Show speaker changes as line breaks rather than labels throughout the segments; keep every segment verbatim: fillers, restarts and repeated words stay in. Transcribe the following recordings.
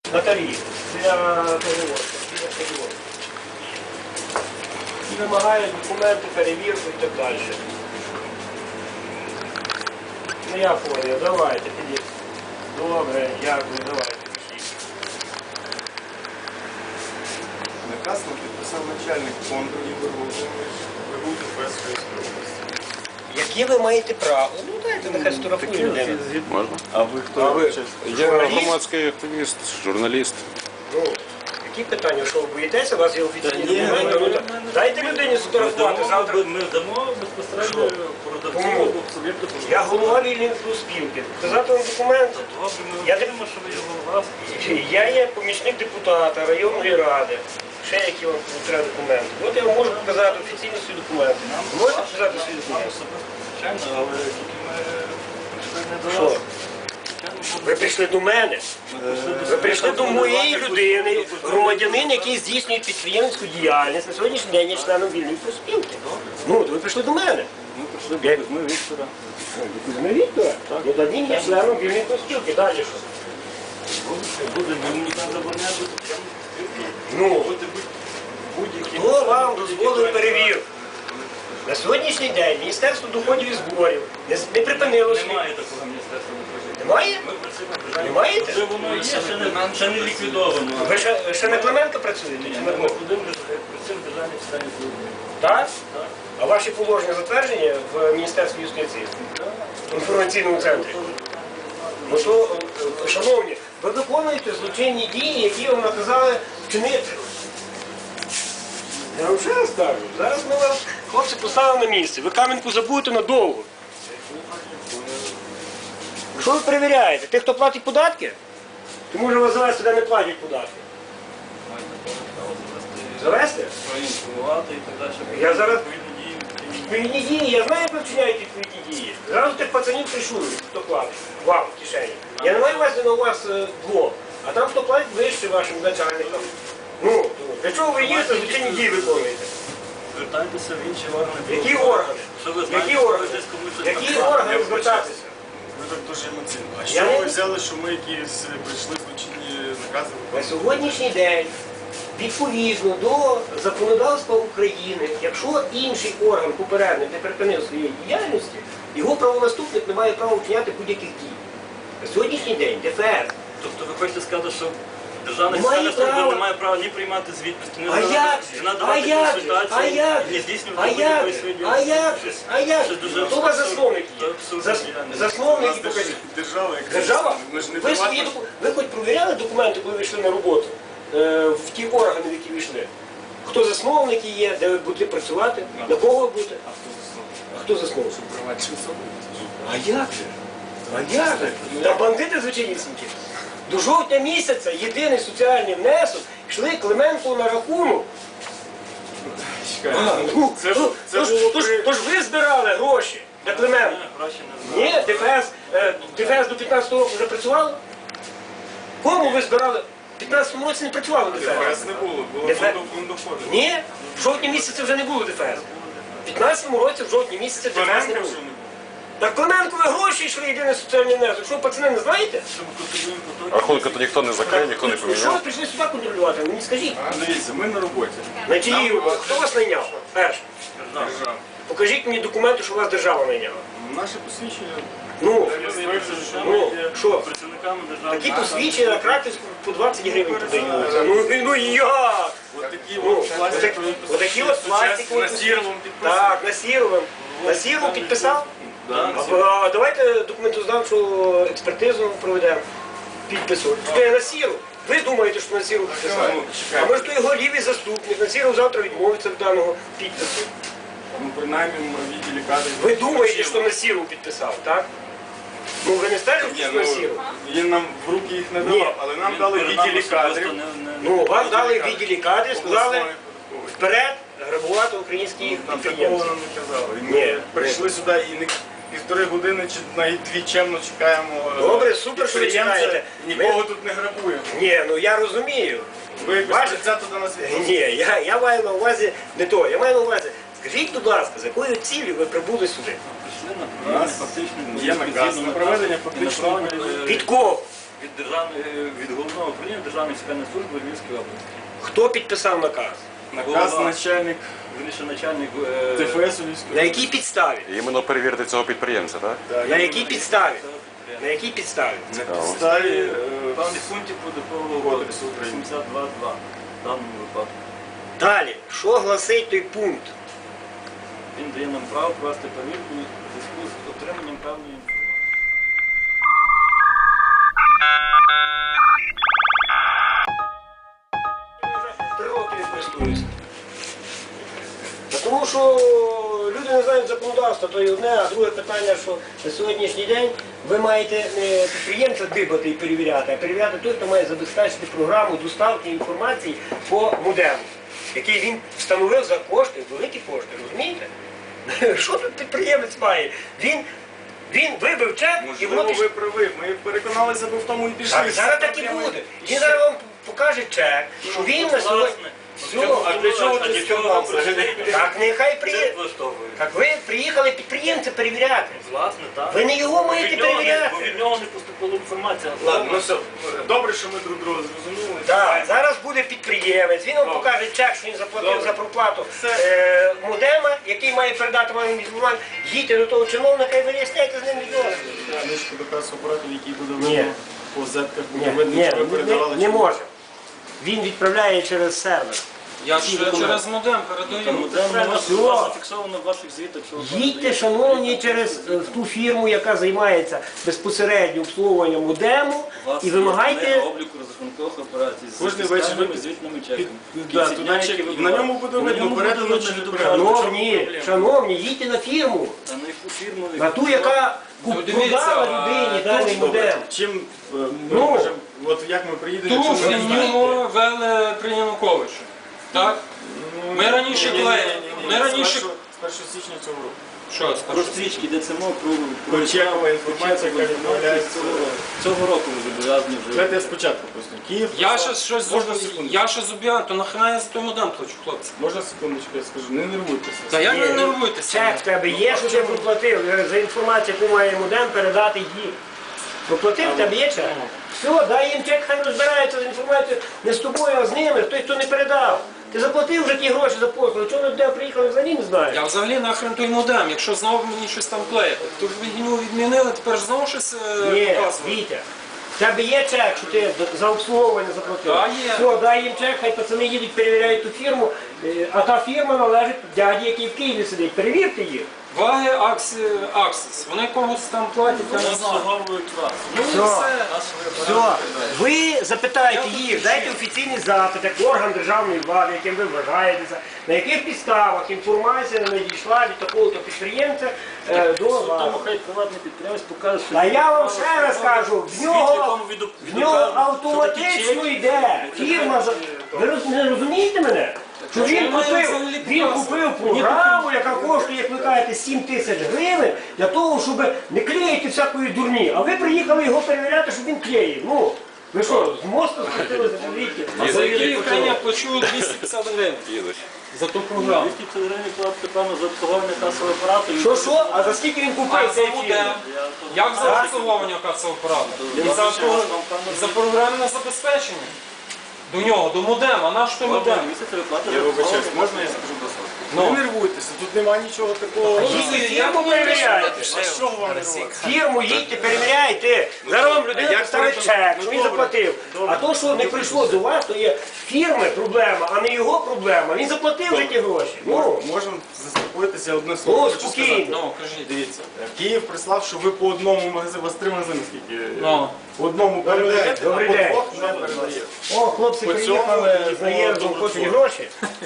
на тариф для перевозки. І вимагає документи, перевірку і так далі. Ну я понял, давайте, підіть. Добре, дякую, давайте.
Наказ нам підписав начальник фонду Ігор Володимирович Песької області.
Які ви маєте право? Ну дайте, нехай сфотографує людину.
Можна?
А ви хто?
А ви?
Я громадський активіст, журналіст.
Ну, які питання, що ви боїтеся? У вас є офіційні
Та ні,
документи?
ми-
Ну, так дайте людині сфотографувати завтра.
Ми дамо безпосередньо продавцю
Кому?
суб'єкту.
Я голова вільної спілки. Показати вам документ.
Добре, ми
Я
розуміємо, що ви є голова.
Я є помічник депутата районної ради. Ще які вам треба документи. От я вам можу показати офіційно свої документи. Можете показати свої документи?
Звичайно, але тільки ми прийшли не до
Що?
вас.
Ви прийшли до мене. Ви прийшли до моєї людини, громадянин, який здійснює підприємницьку діяльність. На сьогоднішній день є членом вільної профспілки. Ну, то ви прийшли до мене.
Ми прийшли до Кузьми Віктора.
До Кузьми Віктора? Ну, тоді є членом вільної профспілки. Далі що?
Буде, ми мені там забороняти.
Ну,
Будь-які.
хто вам дозволив перевірку? На сьогоднішній день Міністерство доходів і зборів не, не припинило свій.
Немає такого міністерства доходів.
Немає?
Ми працюємо в державі.
Не маєте?
Вже воно є, ще не, ще не ліквідовано.
Ви ще, ще на Клименко працюєте? Чи на
Ми
кого?
будемо працюємо в державній системі служби.
Так?
Так.
А ваші положення затверджені в Міністерстві юстиції? В інформаційному центрі? Ну то, е, шановні, ви виконуєте злочинні дії, які вам наказали вчинити. Я вам ще раз кажу, зараз ми вас, хлопці, поставимо на місце. Ви Кам'янку забудете надовго. Що ви перевіряєте? Тих, хто платить податки? Чи може вас завести, де не платять податки? Завести?
Проінформувати і так далі.
Я зараз-
Відповідні дії.
Відповідні дії, я знаю, як ви вчиняєте відповідні дії. Зразу тих пацанів пришують, хто платить. Вам в кишені. Я не маю увазі на у вас е, двох, а там хто платить вище вашим начальникам. Ну, то для чого ви їздите, злочинні дії виконуєте?
Звертайтеся в інші органи.
Які органи?
Що ви знаєте,
Які
що
органи?
ви десь комусь щось
Які
наказали?
органи звертатися?
Ви так дуже емоційно. А
Я
що
не-
ви взяли, що ми якісь прийшли злочинні накази?
На сьогоднішній день, відповідно до законодавства України, якщо інший орган попередник не припинив своєї діяльності, його правонаступник не має права вчиняти будь-яких дій. На сьогоднішній день ДФС.
Тобто ви хочете сказати, що державна
Немає
система служби
права.
не має права ні приймати звітності, ні
А як?
не
А
надавати
як? А
консультації,
як?
ні
А
здійснювати
як?
будь-якої своєї
А як?
діяльності.
А як?
Щось дуже
Хто у вас
абсурдне,
засновник є?
абсурдне
Зас-
діяльність.
У нас
Засновники
держ-
покажіть.
держава яка.
Держава?
Ми ж не
Ви, свої,
приватна.
доку- ви хоч провіряли документи, коли ви йшли на роботу? Е, в ті органи, в які ви йшли? Хто засновники є, де ви будете працювати, на кого ви будете? А хто засновник?
Приватні особи.
А як же? А як же? Та бандити звичайнісінькі. До жовтня місяця єдиний соціальний внесок йшли Клименко на рахунок.
Чекайте.
А, ну,
Це ж-
ну,
це
тож,
було
тож,
при-
тож ви збирали гроші для Клименко.
Ні, гроші не знаю.
Ні, ДФС, е, ДФС до п'ятнадцятого року вже працювало? Кому ви збирали? В п'ятнадцятому році не працювало ДФС.
ДФС не було, було
ДФС?
фондоходи.
Ні, в жовтні місяці вже не було ДФС. В п'ятнадцятому році в жовтні місяці ДФС не
Клименка
було.
вже не було.
Так Клименкові гроші йшли єдиний соціальний внесок. Що, пацани, не знаєте?
Щоб контролюємо потоки.
Рахунки то ніхто не закрив, ніхто не
Ну, Що ви
поміняв.
прийшли сюди контролювати? Мені скажіть.
Дивіться, ми на роботі.
На чиїй роботі? Хто вас найняв? Перше.
Держава.
Держава.
Покажіть мені документи, що вас держава найняла.
Наше посвідчення.
Ну,
Реєструється, що
Ну,
ми є
що?
працівниками державної
такі посвідчення на Краківську по двадцять гривень продаються. Ну, ну як?
Ось такі
Ну,
от пластикові
отак- отакі от пластикові
на сіровому підписані.
Так, на Сіровим. На Сірову підписав?
Да.
А, а давайте документознавчу експертизу проведемо. Підпису. Це на Сіру. Ви думаєте, що на Сіру підписав?
Ну,
А
чекайте.
може то його лівий заступник. На Сіру завтра відмовиться від даного підпису.
Ну, принаймні, в відділі кадрів.
Ви думаєте, що на Сіру підписав, так? Ну ви не стежите,
Ні,
що
ну,
на Сіру?
він нам в руки їх не
Ні.
давав, але нам
Він
дали в
перед нами
відділі
особисто
кадрів.
не- не-
Ну, вам дали в
Відділі
відділі кадрів, сказали
обласної податкової.
вперед грабувати українських
Там такого
підприємців.
нам не казали. І
Ні.
Ми прийшли сюди і не півтори години чи навіть дві чемно чекаємо. е,
Добре, супер, що ви
підприємця,
чекаєте.
Нікого
Ми-
тут не грабуємо.
Ні, ну я розумію.
Ви якось
Бачите?
тридцято до нас відносите.
Ні, я, я маю на увазі не то. Я маю на увазі, скажіть, будь ласка, з якою цілею ви прибули сюди?
Прийшли на
У
проведення
нас
фактичної
є наказ
згідно
на
наказу
проведення
і
фактичної
направлення,
перевірки.
Від кого?
від, державної, від головного управління Державної фіскальної служби Львівської області.
Хто підписав наказ?
Наказ
Голова.
начальник
Вирішив начальник е,
ТФС у Львівської.
На якій підставі?
Іменно перевірити цього підприємця, так?
На якій підставі? На якій підставі?
На підставі е,
певних пунктів Податкового
Кодексу
кодексу
України.
сімдесят два два в даному випадку.
Далі, що гласить той пункт?
Він дає нам право провести перевірку у зв'язку з отриманням певної інформації.
Три роки не користуюся. Та Тому що люди не знають законодавства, то і одне, а друге питання, що на сьогоднішній день ви маєте не підприємця дибати і перевіряти, а перевіряти той, хто має забезпечити програму доставки інформації по модему, який він встановив за кошти, великі кошти, розумієте? Що тут підприємець має? Він, він вибив чек і воно
Можливо,
пішло.
ви праві. Ми переконалися, бо в тому і пішли.
Так, зараз так і буде. Він зараз вам покаже чек, що він на сьогодні. Все,
А для чого ти сказав взагалі?
так нехай
Це
приїде.
влаштовує.
Так ви приїхали підприємця перевіряти.
Власне, так.
Ви не його маєте
Від нього не-
перевіряти.
Бо від нього не поступила інформація.
Ладно, ну все. Добре, що ми друг друга зрозуміли.
Так, зараз буде підприємець, він вам покаже чек, що він заплатив
Добре.
за проплату
Все.
е, модема, який має передати вам інформацію. Їдьте до того чиновника і виясняйте з ним відносини.
Книжку до касоапаратів, який буде
Ні.
видно по зетках, буде
Ні,
видно,
ні,
що ви
не,
передавали.
не може. Він відправляє через сервер.
Я ж через модем передаю.
Тому де у вас
Все.
у вас зафіксовано в ваших звітах, що ви
Їдьте, шановні, через е, ту фірму, яка займається безпосередньо обслуговуванням модему,
У вас
і
є
вимагайте.
книга обліку розрахункових операцій з
Кожний вечір
фіскальними
ви-
звітними чеками.
Під-
В
да,
кінці
туди
дня,
чек-
які ви
на
брали.
ньому буде
На
видно,
ньому
передано
буде
чи
видно,
не
від
передано.
оператора.
Шановні, шановні, їдьте на фірму,
А на яку фірму?
на ту, яка
Ну,
куп-
дивіться,
продала
а,
людині даний
точно.
модем.
Чим е, ми
Ну.
можемо, от як ми приїдемо,
Ту
якщо ми не знаємо?
фігню вели при Януковичу. Так?
Ну,
Ми раніше
ні, ні, ні,
клеїли.
ні, ні, ні.
Ми
З
раніше-
першого- З першого січня цього року.
Що
Про
скажу?
стрічки йдеться мова про...
Про чекова інформація, яка відправляється.
Цього, цього року ви зобов'язані вже.
Давайте я спочатку просто. Київ.
Я
прислав-
ще щось
Можна
зуб-
секунду?
я ще зуб'ян, то нахрена я за той модем плачу, хлопці.
Можна секундочку, я скажу, не нервуйтеся.
Та я
Ні,
не
ну,
нервуйтеся.
Чек в тебе є, що ти проплатив. За інформацію, яку має модем, передати їм. Проплатив, в тебе є чек. Все, дай їм чек, хай розбираються з інформацією не з тобою, а з ними, той, хто не передав. Ти заплатив вже ті гроші за послуги, чого ми до тебе приїхали, взагалі не знаю.
Я взагалі нахрен той модем, якщо знову мені щось там клеїти. То ж ви його відмінили, тепер ж знову щось е,
Ні,
показує.
Вітя, в тебе є чек, що ти за обслуговування заплатив?
Та, є.
Все, дай їм чек, хай пацани їдуть, перевіряють ту фірму, е, а та фірма належить дяді, який в Києві сидить. Перевірте їх.
Ваги Аксі, Аксіс. Вони комусь там платять, я
Вони
не знаю.
обслуговують вас.
Ну і
Все.
все.
Все, ви запитайте їх, дайте офіційний запит, як орган державної влади, яким ви вважаєтеся, на яких підставах інформація надійшла від такого-то підприємця е, до
Тому
вас.
хай приватний підприємець покаже, що...
Та я вам ще раз кажу, в нього,
якому віду-
в нього
віду-
автоматично
що такі
йде. Фірма, за- ви роз- не розумієте мене? Що він
Чому я
купив,
взагалі
він
показую?
купив програму, яка коштує, як ви кажете, сім тисяч гривень, для того, щоб не клеїти всякої дурні. А ви приїхали його перевіряти, щоб він клеїв. Ну, ви що, з мосту схватили за таблетки?
А за який я плачу двісті п'ятдесят гривень
Їдуть.
за ту програму.
двісті п'ятдесят гривень платити, певно, за обслуговування касового апарату.
Що, що? А за скільки він
А
купив
за
цей фільм?
модем? Як за обслуговування касового апарату? І за, про- за програмне забезпечення. До нього, до модема. Наш той модем.
Місяць ви платите
Я
за
вибачаюсь,
обслуговування.
можна я скажу до слова?
Ну.
Не нервуйтеся, тут немає нічого такого.
Їдьте фірму перевіряйте.
А з чого вам нервувати?
Фірму їдьте, перевіряйте. Зараз вам людина
як
поставить
перекон-
чек,
Ну,
що він
добре.
заплатив. А то, що не прийшло до вас, то є фірми проблема, а не його проблема. Він заплатив вже ті гроші. Ну,
Можемо заспокоїтися одне слово.
ну
хочу сказати.
спокійно.
Ну, кажіть.
Дивіться, Київ прислав, що ви по одному магазину, у вас три магазини скільки?
Ну.
По одному передаєте,
Добрий
а по
день.
двох не передаєте.
О, хлопці
По цьому
приїхали
і
з наїздом,
по
хочуть
добру.
гроші.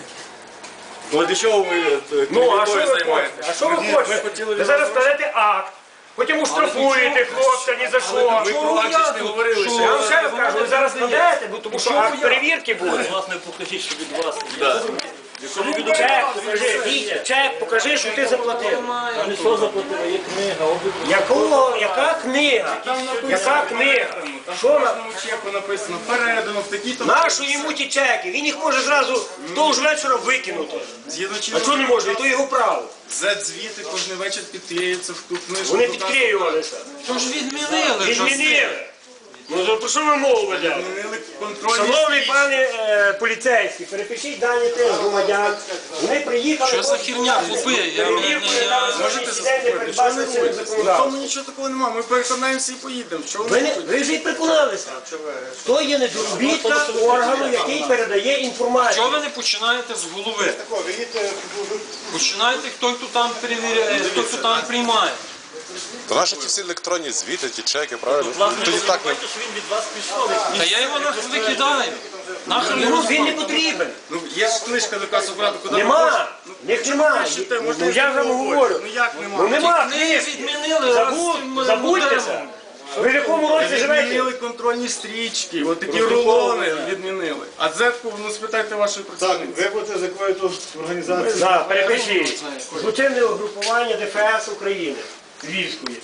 Ну а для чого ви е,
Ну, а що
клеветою
ви хочете?
займаєтесь?
А що ви
Ми- Ми
хочете?
хотіли
Ви
від
зараз
вас гроші.
складете акт, потім оштрафуєте хлопця ні за що.
Ми про акції не говорили.
Що?
Я вам ще раз
ви
кажу, ви
мене
зараз
не
складаєте, бо тому що
Чого
акт
я?
перевірки буде.
Власне, покажіть, що від вас. Якщо ви від
Чек покажи, Вітя, чек покажи, що ти заплатив.
А не що заплатили, є книга, обліку.
Якого, яка книга? Яка книга? Що на...
кожному чеку написано передано в такі-то...
Нащо йому ті чеки? Він їх може зразу вдовж вечора викинути.
Згідно
А
чинного
чого не може? І то його право.
зет-звіти кожен вечір підклеюються в ту книжку.
Вони
туди,
підклеювалися.
То ж відмінили. вже все.
Відмінили. Ну за про що ви мову ведете?
Відмінили контрольні
Шановний
стрічки.
пане е, поліцейський, перепишіть дані тих громадян. Вони приїхали.
Що за херня, хлопи? Я-
Перевірку,
я-
яка
я-
на
Можете
сьогоднішній день не
заспокоїти? Що
передбачена
ви
чинним
робите? В
законодавством.
тому нічого такого немає. Ми переконаємося і поїдемо. Що
Ви,
ви
не, ви вже й переконалися. То є недоробітка органу, який передає
Чого
інформацію.
ви не починаєте з голови? Починайте, хто хто там перевіряє, хто хто там приймає.
То наші ті всі електронні звіти, ті чеки, правильно? Тоді так не...
що він від вас пішов.
Та я його нахер викидаю. Нахер
Ну,
його
він не потрібен.
Ну, є ж книжка до касу-апарату, куди ви
Нема.
хочете.
Них нема.
Пишете,
Ну,
можете
я вам
говорити.
говорю.
Ну як нема?
Ну нема
книги
книжки.
відмінили раз
Забудь,
цим
забудьтеся.
модемом.
Ви в якому році живете?
Відмінили контрольні стрічки, от такі рулони відмінили. А дзетку, ну спитайте вашої
Так,
працівниці.
ви будете з якої тут організації?
Да, перепишіть. Злочинне угрупування ДФС України. Львівської.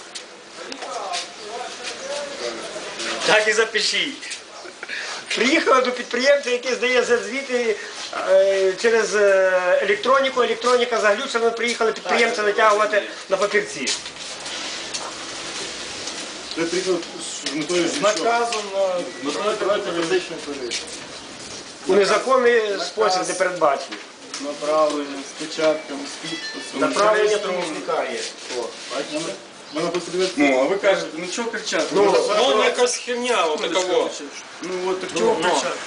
Так і запишіть. Приїхали до підприємця, який здає звіти е, через е, електроніку. Електроніка заглючена, приїхали підприємця витягувати на папірці.
Ви приїхали з метою
З
що?
наказом на
У незаконний спосіб не передбачений.
направлення, з печатками, з підписом.
Направлення
зареєстровано.
помічника є.
Мене тут подивитися.
Ну, а ви кажете, ну чого кричати?
Ну,
Ну, якась херня, отакого.
Ну от так чого
ну.
кричати?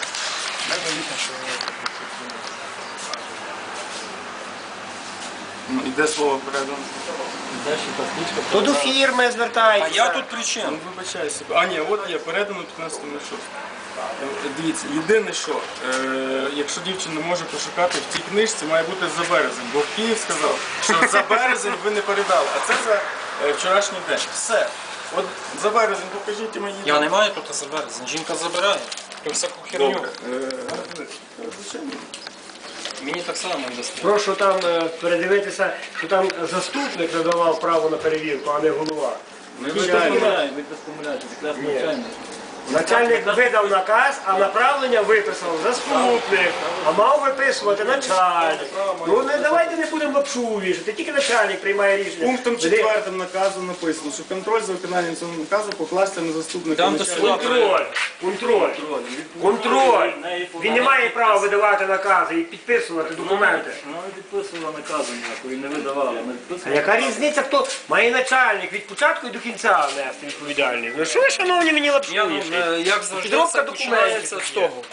Ну, іде слово передано.
То до фірми
А
звертається.
я тут при чим?
Ну, вибачаюся. А, ні, от є, передано п'ятнадцятого шостого. Дивіться, єдине що, е, якщо дівчина може пошукати в цій книжці, має бути за березень, бо Київ сказав, що за березень ви не передали, а це за е, вчорашній день. Все. От за березень покажіть і мені.
Я не маю тут за березень. Жінка забирає. То всяку херню.
Добре. Е, звичайно.
Мені так само не дасте.
Прошу там е, передивитися, що там заступник надавав право на перевірку, а не голова.
Звичайно.
Ви без помиляєте, якраз
Ні.
навчання.
Начальник видав наказ, а направлення виписав заступник, а мав виписувати начальник. Ну не давайте не будемо лапшу вішати, тільки начальник приймає рішення.
Пунктом
Де-
четвертим наказу написано, що контроль за виконанням цього наказу покласти на заступника.
Там до
начальника.
Контроль, контроль, контроль. Він не має права видавати накази і підписувати документи.
Вона не підписувала наказу ніякої, не видавала. Не
А
підписувала.
яка різниця, хто має начальник від початку і до кінця нести відповідальність? Ну що ви, шановні, мені лапшу
Я, ну,
вішаєте?
е, як завжди,
Підробка
все починається
документів.
з того.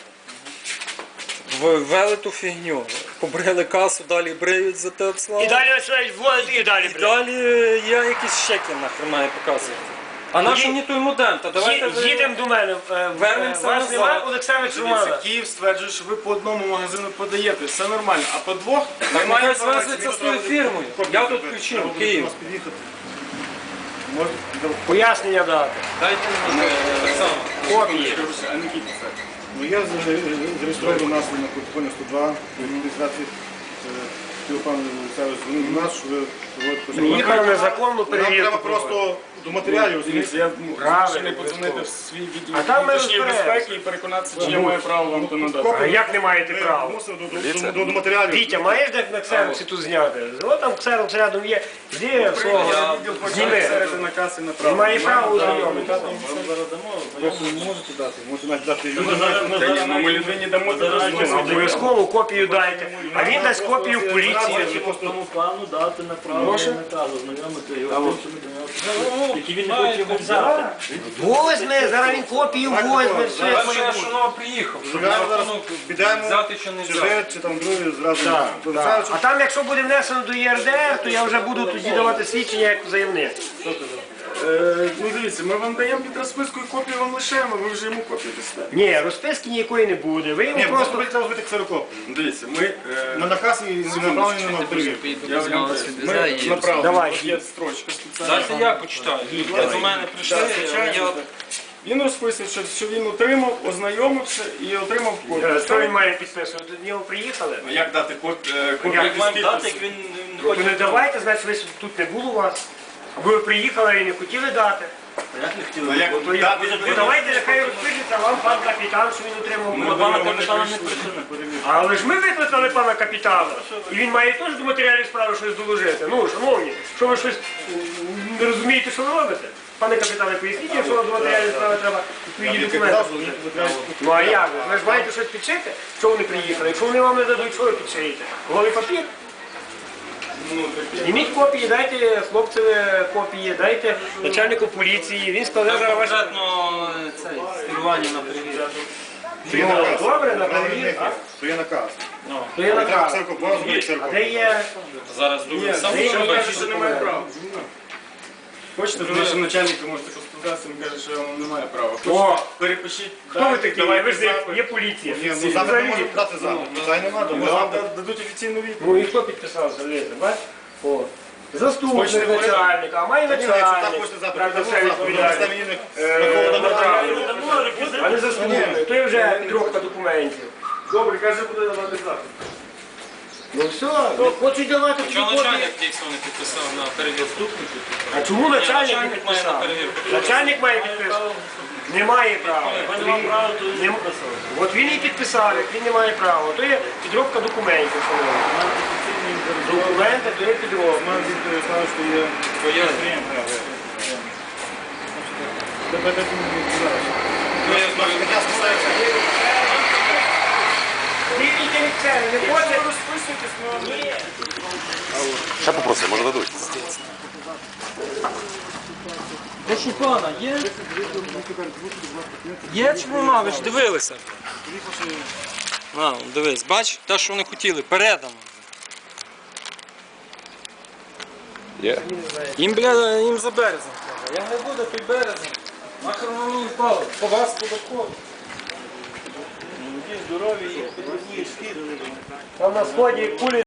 Ввели ту фігню, побрили касу, далі бриють за те
І
обслугу.
далі починають вводити і далі. блядь.
Далі я якісь щеки нахер маю показувати. А наш мені той модем, та давайте
Ї-
ви-
Їдемо до мене. е,
Вернемося
Вас
назад.
немає, Олександр
Дивіться,
Романа.
Київ стверджує, що ви по одному магазину подаєте, все нормально, а по двох
Так
немає
нехай
інформації.
зв'язується з тою фірмою. Я тут при чому? Київ.
Пояснення дати.
Дайте мені е, так само.
Копії.
А не Київ це.
Ну я зареєстрований у нас на протоколі сто два реєстрації телефону Олександр дзвонив до нас, що ви проводите.
Їхали незаконну
Нам
перевірку.
треба просто до матеріалів.
Дивіться, я ну,
Правильно,
ще не подзвонити в свій відділ
А там ми
внутрішньої
розберемося.
безпеки і переконатися, чи я маю право вам то надати.
А як не маєте
Ви
права?
мусили до- до- до- до матеріалів.
Вітя, маєш де на ксероксі тут зняти? О, там ксерокс рядом є. Іди,
Я
свого,
відділ почав
зніми.
серед наказ і
І
направо.
має право ознайомити.
Вам зараз дамо, знайомі.
Можете дати, можете навіть дати
Ми
людям.
зараз- ми
Та ні,
зараз
ну ми людині дамо
Зараз
це
ми-
Обов'язково копію дайте. А він дасть копію в поліції.
по тому плану дати направлення наказу, знайомити його з тим, що ми до нього, які він не хоче його взяти.
Возьме, зараз він копію возьме, все як
Перше,
має
я
бути.
шанова приїхав, щоб
Зараз
на
зараз
рахунок
підемо,
взяти чи не
Чи
взяти.
ви, чи там другий зразу.
Так,
Олександр,
так. А там, якщо буде внесено до ЄРДР, то я вже буду тоді давати свідчення як заявник.
Е, Ну дивіться, ми вам даємо під розписку і копію вам лишаємо, ви вже йому копію дасте.
Ні, розписки ніякої не буде. Ви йому
Ні, просто
просто
треба зробити ксерокоп.
Дивіться, ми е,
На наказ і направлення на перевірку.
я вам кажу, ми направо.
Давай.
От є строчка спеціальна.
Дайте я почитаю. Ви до мене прийшли,
Так, звичайно,
я...
так. Він розписує, що, що він отримав, ознайомився і отримав копію.
що він має підписувати? До нього приїхали?
Ну, як дати коп- е, копію
Як
без
Маємо дати,
підпису?
як він він не
То
хоче.
не давайте, значить ви тут не було у вас. Або ви приїхали і не хотіли дати.
Як не хотіли?
Ну, як
То я-
дати?
то давайте нехай розпишеться вам пан капітан, що він отримав.
Ми
копію.
до пана капітана не прийшли на перевірку.
Але ж ми викликали пана капітана. І він має теж до матеріалів справи щось доложити. Ну, шановні, що ви щось м, не розумієте, що ви робите? Пане капітане, поясніть, якщо до матеріальної справи треба відповідні документи.
казав, що ви треба
Ну а як? Ви ж маєте щось підшити? Що вони приїхали? Якщо вони вам не дадуть, що ви підшиєте? Голий папір? Зніміть копії, дайте хлопцеві копії, дайте начальнику поліції, він складе зараз ваші...
Конкретно це скерування на перевірку.
Що є наказ.
Добре, на
Правильно,
перевірку.
Що є наказ.
То є наказ.
Церква, базу,
А
церква.
де є...
Зараз думаю, сам
Де є
Що каже, що
документи?
немає права. Хочете, з нашим начальником можете поспілкуватися, він каже, що вам немає права.
О!
Хочете, перепишіть.
Хто ви такі? Ви ж є- є поліція.
Ні, ну запит не можемо дати запит. Це не треба,
Ми
ми
вам
запит.
дадуть офіційну відповідь.
Ну і хто підписав залізо, бач? О. Заступник
Хочете говорити?
начальника, а має
Ні, якщо так
начальник.
хочете запит,
Правда,
дамо
все
запит. Ми
відповідає.
дасте мені
Е,
на кого
направлено.
направити.
А не заступник. То є вже підробка документів.
Добре, каже, буде давати запит.
Ну все, ну, хочуть давати ці
Чого
копії.
начальник дійсно не підписав на перевірку?
А чому начальник не
начальник має на
підписав?
перевірку.
Начальник має підписати. Немає права. Нем- От він і підписав, як він не має права. То є підробка документів. шановні. Документи, то є підробка.
Мам, він сказав, що є...
Пояснюю.
Тебе так не знаю.
Пояснюю.
Я сказав,
Тільки лікця, не хоче.
Ще попросив, може дадуть.
Прошу пана, є? Є чи нема? Ви ж дивилися. А, дивись, бач, те, що вони хотіли, передано.
Є.
Їм, бля, їм за березень треба. Я не буду той березень. Нахер воно мені впало. По вас податково.
Там на сході кулі